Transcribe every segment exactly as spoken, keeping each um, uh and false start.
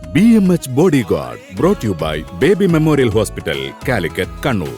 B M H body guard brought you by Baby Memorial Hospital, Calicut, Kannur.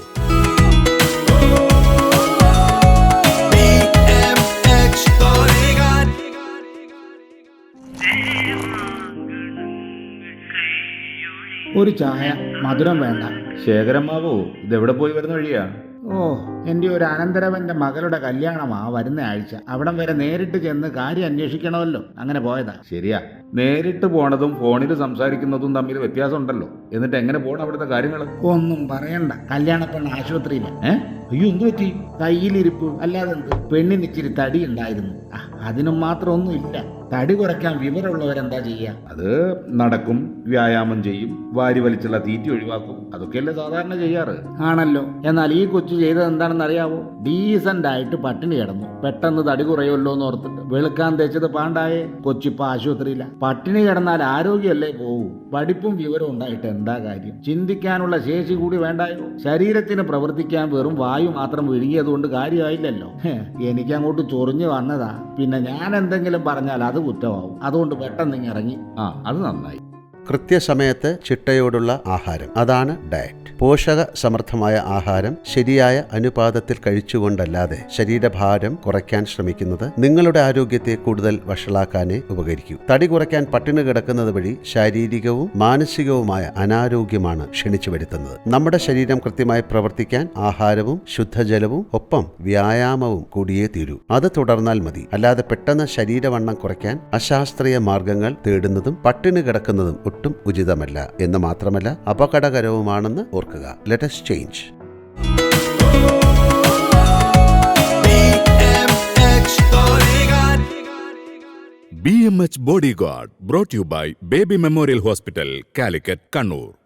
ഒരു ചായ, മധുരം വേണ്ട. ശേഖരമ്മാവോ, ഇതെവിടെ പോയി വരുന്ന വഴിയാ? ഓ, എൻ്റെ ഒരു അനന്തരവന്റെ മകളുടെ കല്യാണമാ വരുന്ന ആഴ്ച. അവിടം വരെ നേരിട്ട് ചെന്ന് കാര്യം അന്വേഷിക്കണമല്ലോ, അങ്ങനെ പോയതാ. ശരിയാ, നേരിട്ട് പോണതും ഫോണിൽ സംസാരിക്കുന്നതും തമ്മിൽ വ്യത്യാസമുണ്ടല്ലോ. എന്നിട്ട് എങ്ങനെ പോണം അവിടുത്തെ കാര്യങ്ങൾ? ഒന്നും പറയണ്ട, കല്യാണ പെണ്ണ് ആശുപത്രിയില്ല. ഏ അയ്യോ, എന്തു പറ്റി? കയ്യിലിരിപ്പ് അല്ലാതെ എന്ത്. പെണ്ണിന് ഇച്ചിരി തടി ഉണ്ടായിരുന്നു. അതിനും മാത്രം ഒന്നും ഇല്ല. തടി കുറയ്ക്കാൻ വിവരമുള്ളവരെന്താ ചെയ്യാ? അത് നടക്കും, വ്യായാമം ചെയ്യും, വാരി വലിച്ചുള്ള തീറ്റി ഒഴിവാക്കും. അതൊക്കെയല്ലേ സാധാരണ ചെയ്യാറ്. ആണല്ലോ. എന്നാൽ ഈ കൊച്ചു ചെയ്തത് എന്താണെന്ന് അറിയാവോ? ഡീസന്റ് ആയിട്ട് പട്ടിണി കിടന്നു. പെട്ടെന്ന് തടി കുറയുമല്ലോ എന്ന് ഓർത്തിട്ട് വെളുക്കാൻ തേച്ചത് പാണ്ടായേ. കൊച്ചിപ്പോ ആശുപത്രിയില്ല. പട്ടിണി കിടന്നാൽ ആരോഗ്യമല്ലേ പോകൂ. പഠിപ്പും വിവരവും ഉണ്ടായിട്ട് എന്താ കാര്യം? ചിന്തിക്കാനുള്ള ശേഷി കൂടി വേണ്ടായോ? ശരീരത്തിന് പ്രവർത്തിക്കാൻ വെറും വായു മാത്രം വിഴുങ്ങിയതുകൊണ്ട് കാര്യമായില്ലല്ലോ. എനിക്ക് അങ്ങോട്ട് ചൊറിഞ്ഞു വന്നതാ. പിന്നെ ഞാൻ എന്തെങ്കിലും പറഞ്ഞാൽ അത് കുറ്റമാവും. അതുകൊണ്ട് പെട്ടെന്ന് ഇറങ്ങി. ആ, അത് നന്നായി. കൃത്യസമയത്ത് ചിട്ടയോടുള്ള ആഹാരം, അതാണ് ഡയറ്റ്. പോഷക സമൃദ്ധമായ ആഹാരം ശരിയായ അനുപാതത്തിൽ കഴിച്ചുകൊണ്ടല്ലാതെ ശരീരഭാരം കുറയ്ക്കാൻ ശ്രമിക്കുന്നത് നിങ്ങളുടെ ആരോഗ്യത്തെ കൂടുതൽ വഷളാക്കാനേ ഉപകരിക്കൂ. തടി കുറയ്ക്കാൻ പട്ടിണി കിടക്കുന്നത് വഴി ശാരീരികവും മാനസികവുമായ അനാരോഗ്യമാണ് ക്ഷണിച്ചു വരുത്തുന്നത്. നമ്മുടെ ശരീരം കൃത്യമായി പ്രവർത്തിക്കാൻ ആഹാരവും ശുദ്ധജലവും ഒപ്പം വ്യായാമവും കൂടിയേ തീരൂ. അത് തുടർന്നാൽ മതി. അല്ലാതെ പെട്ടെന്ന് ശരീരവണ്ണം കുറയ്ക്കാൻ അശാസ്ത്രീയ മാർഗങ്ങൾ തേടുന്നതും പട്ടിണി കിടക്കുന്നതും ഒട്ടും ഉചിതമല്ല എന്ന് മാത്രമല്ല അപകടകരവുമാണെന്ന് ഓർക്കുക. Let us change. B M H body guard brought you by Baby Memorial Hospital, Calicut, Kannur.